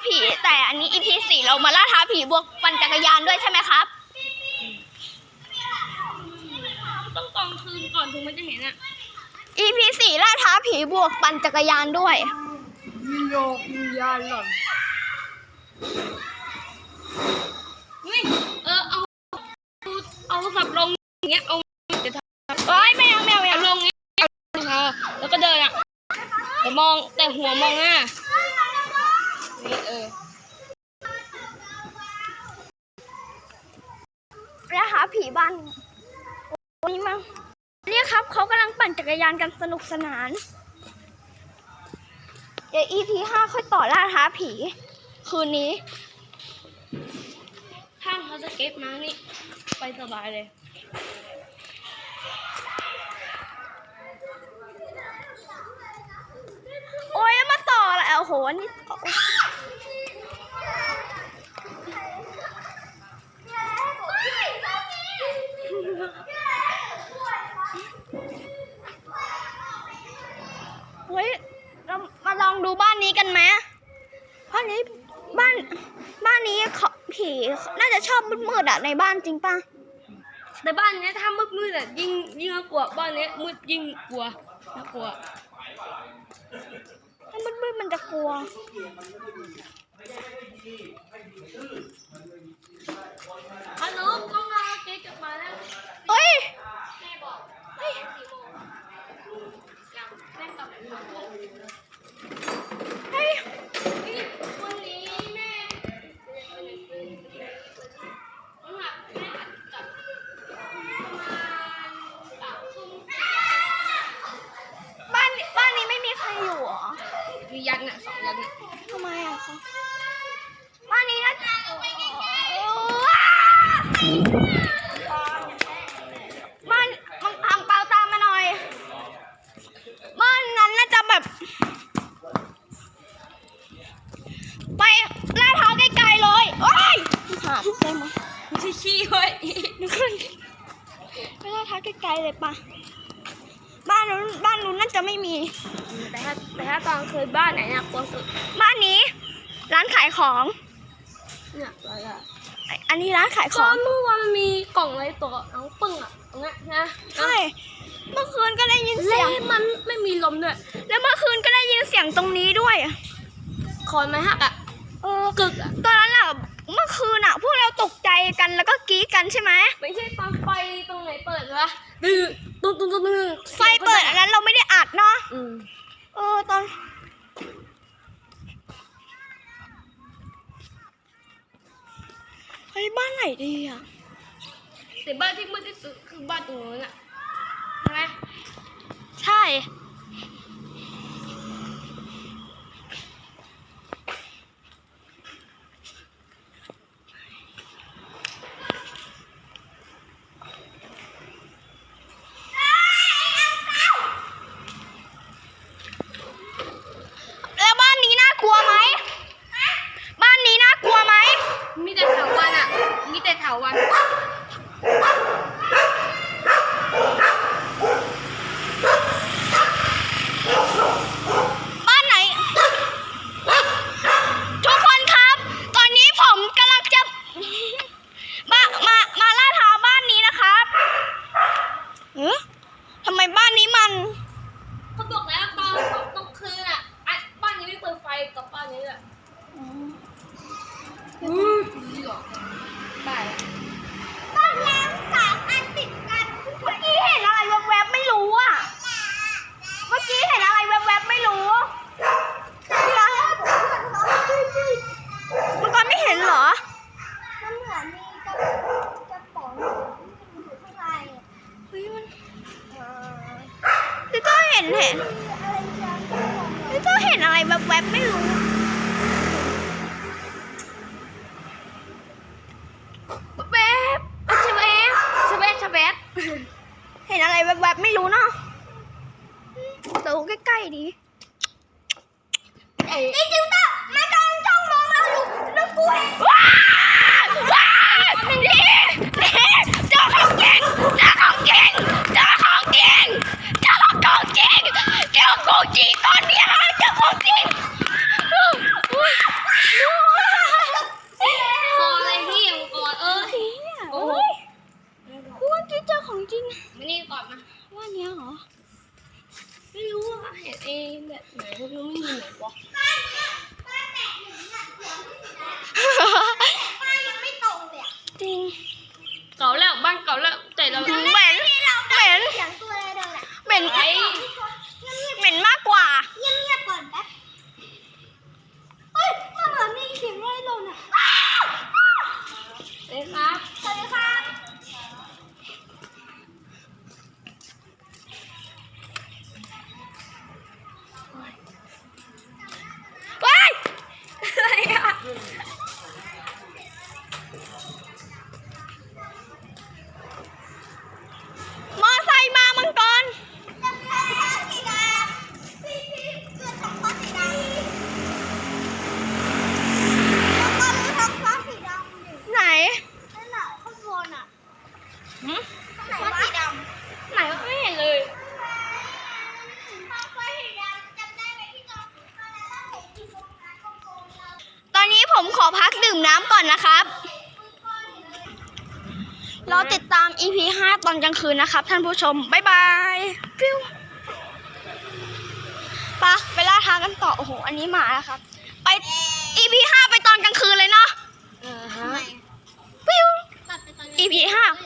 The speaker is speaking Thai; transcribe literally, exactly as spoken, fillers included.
ผีแต่อันนี้ อี พี สี่เรามาล่าท้าผีบวกปั่นจักรยานด้วยใช่ไหมครับต้องกองคืนก่อนถึงมันจะเห็นอ่ะอี พี สี่ล่าท้าผีบวกปั่นจักรยานด้วยวิญญาณวิญญาณหล่อนนี่เออเอาเอาสับลงอย่างเงี้ยเอาจะทำเอ้ยไม่เอาไม่เอาไม่เอาเอาลงเงี้ยเอาแล้วก็เดินอ่ะแต่มองแต่หัวมองหน้านี่เออล่าท้าผีบ้านนี่มั้งเนี่ยครับเขากำลังปั่นจักรยานกันสนุกสนานเดี๋ยว อี พี ห้าค่อยต่อล่าท้าผีคืนนี้ถ้าเขาจะเก็บมานี่ไปสบายเลยโอ้ยมาต่อแล้วโอ้โหนี่เฮ้ยเรามาลองดูบ้านนี้กันไหมบ้านนี้บ้านบ้านนี้เขาผีน่าจะชอบมืดๆอ่ะในบ้านจริงป่ะแต่บ้านนี้ถ้ามืดมืดอ่ะยิ่งยิ่งน่ากลัวบ้านนี้มืดยิ่งกลัวน่ากลัวถ้ามืดๆมันจะกลัวฮัลโหลกล้องมาเก๊กลับมาแล้วเฮ้ยแม่บอกเฮ้ยสี่โมงยังแม่กลับมาเฮ้ยวันนี้แม่ต้องหักแม่หักกลับประมาณสามทุ่มบ้านบ้านนี้ไม่มีใครอยู่หรอมียันน่ะสองยันน่ะทำไมอ่ะคะบ้านนี้น่าจะบ้านมึงอังเปาตามมาหน่อยบ้านนั้นน่าจะแบบไปล่าท้าไกลๆเลยโอ้ยหาได้ไหมไม่ใช่ขี้เว้ยนึกว่าไปล่าท้าไกลๆเลยปะบ้านนู้นบ้านนู้นน่าจะไม่มีแต่ถ้าแต่ถ้าตอนเคยบ้านไหนน่ากลัวสุดบ้านนี้ร้านขายของเนี่ยอะไรอ่ะอันนี้ร้านขายขตออง นเมื่อวานมันมีกล่องอะไรตัวน้องปึ้งอ่ะตรงนี้นะใช่เมื่อคืนก็ได้ยินเสียงมันไม่มีลมด้วยแล้วเมื่อคืนก็ได้ยินเสียงตรงนี้ด้วยคอนไม้หักอ่ะเออกึกตอนนั้นอะเมื่อคืนอะพวกเราตกใจกันแล้วก็กรี๊ดกันใช่ไหมไม่ใช่ตอนไฟตรงไหนเปิดวะดื้อตุ้งตุ้งตุ้งตุ้งไฟเปิดอันนั้นเราไม่ได้อัดเนาะเออตอนเฮ้ยบ้านไหนดีอะแต่บ้านที่มืดที่สุดคือบ้านตรงนู้นอะใช่ไหมใช่แล้วบ้านนี้น่ากลัวไหมบ้านนี้น่ากลัวไหมมีแต่เถาวัลย์อะมีแต่เถาวัลย์บ้านไหนทุกคนครับตอนนี้ผมกำลังจะมามามาล่าท้าบ้านนี้นะครับเออทำไมบ้านนี้มันเขาบอกแล้วตอนตอนคืนอะบ้านนี้ไม่เปิดไฟกับบ้านนี้อะอือไปบ้านน้ำสามอันติดกันเมื่อกี้เห็นอะไรแวบๆไม่รู้อ่ะเมื่อกี้เห็นอะไรแวบๆไม่รู้มันก็ไม่เห็นเหรอมันเหมือนมีกระกระป๋องอยู่ข้างในเฮ้ยมันพี่ก็เห็นเห็นพี่ก็เห็นอะไรแวบๆไม่รู้แวบชเวฟชเวฟชเวฟเห็นอะไรแวบๆไม่รู้เนาะดูใกล้ๆดีไอ้จิ๋วต้ามาจ้องจ้องมองเราดูดูกูว้าวว้าวนี่นี่เจ้าของเก่งเจ้าของเก่งเจ้าของเก่งเจ้าของเก่งเจ้าของจริงตอนนี้ฮะเจ้าของจริงวะบ้านเนี่ยบ้านแตกหนึ่งเนี่ยหัวไม่สีแดงบ้านยังไม่ตรงเลยอ่ะจริงเก่าแล้วบ้านเก่าแล้วแต่เราเหม็นเหม็นเหม็นเสียงตัวอะไรเดินอ่ะเหม็นไอ้เหม็นมากกว่าเงียบเงียบก่อนแป๊บเฮ้ยมันเหมือนมีเสียงอะไรหล่นอ่ะเอ๊ะครับสวัสดีครับว้ายอะไรอ่ะมอไซค์มามังกรจำได้แล้วสีดำพี่พี่เกิดท้องฟ้าสีดำแล้วก็รู้ท้องฟ้าสีดำดิไหนนั่นแหละข้างบนอ่ะหืมไหนวะสีดำไหนวะไม่เห็นเลยตอนนี้ผมขอพักดื่มน้ำก่อนนะครับ รอติดตาม อี พี ห้า ตอนกลางคืนนะครับท่านผู้ชม บ๊ายบายฟิวปะไปล่าท้ากันต่อ โอ้โห อันนี้หมาแล้วครับ ไป อี พี ห้า ไปตอนกลางคืนเลยเนาะอ่าฮะฟิว อี พี ห้า